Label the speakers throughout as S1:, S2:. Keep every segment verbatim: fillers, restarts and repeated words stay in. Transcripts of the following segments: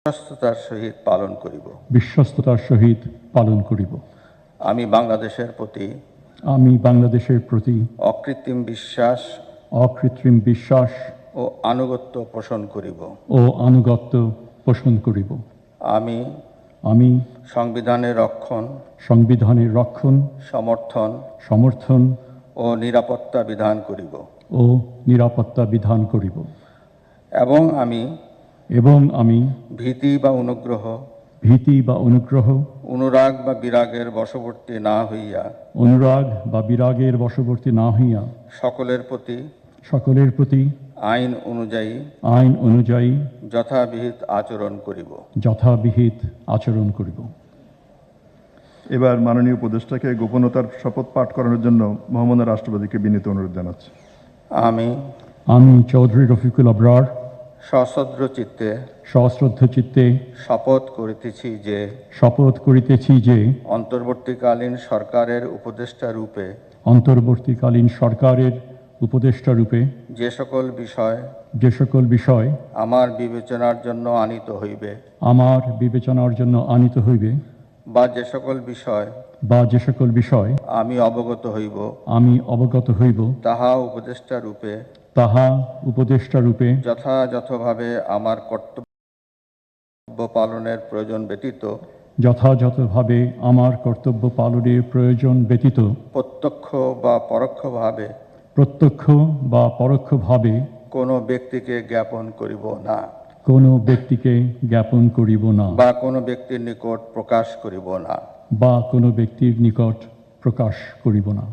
S1: বিশ্বস্ততার সহিত পালন করিব
S2: বিশ্বস্ততার সহিত পালন করিব।
S1: আমি বাংলাদেশের প্রতি
S2: আমি বাংলাদেশের প্রতি
S1: অকৃত্রিম বিশ্বাস
S2: অকৃত্রিম বিশ্বাস
S1: ও আনুগত্য পোষণ করিব
S2: ও আনুগত্য পোষণ করিব।
S1: আমি
S2: আমি
S1: সংবিধানের রক্ষণ,
S2: সংবিধানের রক্ষণ,
S1: সমর্থন
S2: সমর্থন
S1: ও নিরাপত্তা বিধান করিব
S2: ও নিরাপত্তা বিধান করিব
S1: এবং আমি
S2: এবং আমি
S1: ভীতি বা অনুগ্রহ,
S2: ভীতি বা অনুগ্রহ,
S1: অনুরাগ বা বিরাগের বশবর্তী না হইয়া
S2: অনুরাগ বা বিরাগের বশবর্তী না হইয়া
S1: সকলের প্রতি
S2: সকলের প্রতি
S1: আইন অনুযায়ী
S2: আইন অনুযায়ী
S1: যথাবিহিত আচরণ করিব
S2: যথাবিহিত আচরণ করিব।
S3: এবার মাননীয় উপদেষ্টাকে গোপনতার শপথ পাঠ করানোর জন্য মহামান্য রাষ্ট্রপতিকে বিনীত অনুরোধ জানাচ্ছি।
S1: আমি
S2: আমি চৌধুরী রফিকুল আবরার
S1: সশ্রদ্ধ চিত্তে
S2: সশ্রদ্ধ চিত্তে
S1: শপথ করিতেছি যে
S2: শপথ করিতেছি যে
S1: অন্তর্বর্তীকালীন সরকারের উপদেষ্টা রূপে
S2: অন্তর্বর্তীকালীন সরকারের উপদেষ্টা রূপে
S1: যে সকল বিষয়
S2: যে সকল বিষয়
S1: আমার বিবেচনার জন্য আনিত হইবে
S2: আমার বিবেচনার জন্য আনিত হইবে
S1: বা যে সকল বিষয়
S2: বা যে সকল বিষয়
S1: আমি অবগত হইব
S2: আমি অবগত হইব
S1: তাহা উপদেষ্টা রূপে
S2: তাহা উপদেষ্টা রূপে
S1: যথাযথভাবে আমার কর্তব্য পালনের প্রয়োজন ব্যতীত
S2: যথাযথভাবে আমার কর্তব্য পালনের প্রয়োজন ব্যতীত
S1: প্রত্যক্ষ বা পরোক্ষভাবে
S2: প্রত্যক্ষ বা পরোক্ষভাবে
S1: কোনো ব্যক্তিকে জ্ঞাপন করিব না
S2: কোনো ব্যক্তিকে জ্ঞাপন করিব না
S1: বা কোনো ব্যক্তির নিকট প্রকাশ করিব না
S2: বা কোনো ব্যক্তির নিকট প্রকাশ করিব না।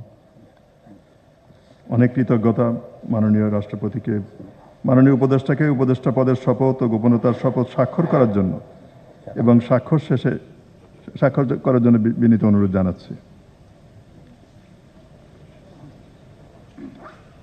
S3: অনেক কৃতজ্ঞতা মাননীয় রাষ্ট্রপতিকে, মাননীয় উপদেষ্টাকে উপদেষ্টা পদের শপথ ও গোপনতার শপথ স্বাক্ষর করার জন্য এবং স্বাক্ষর শেষে স্বাক্ষর করার জন্য বিনীত অনুরোধ জানাচ্ছি।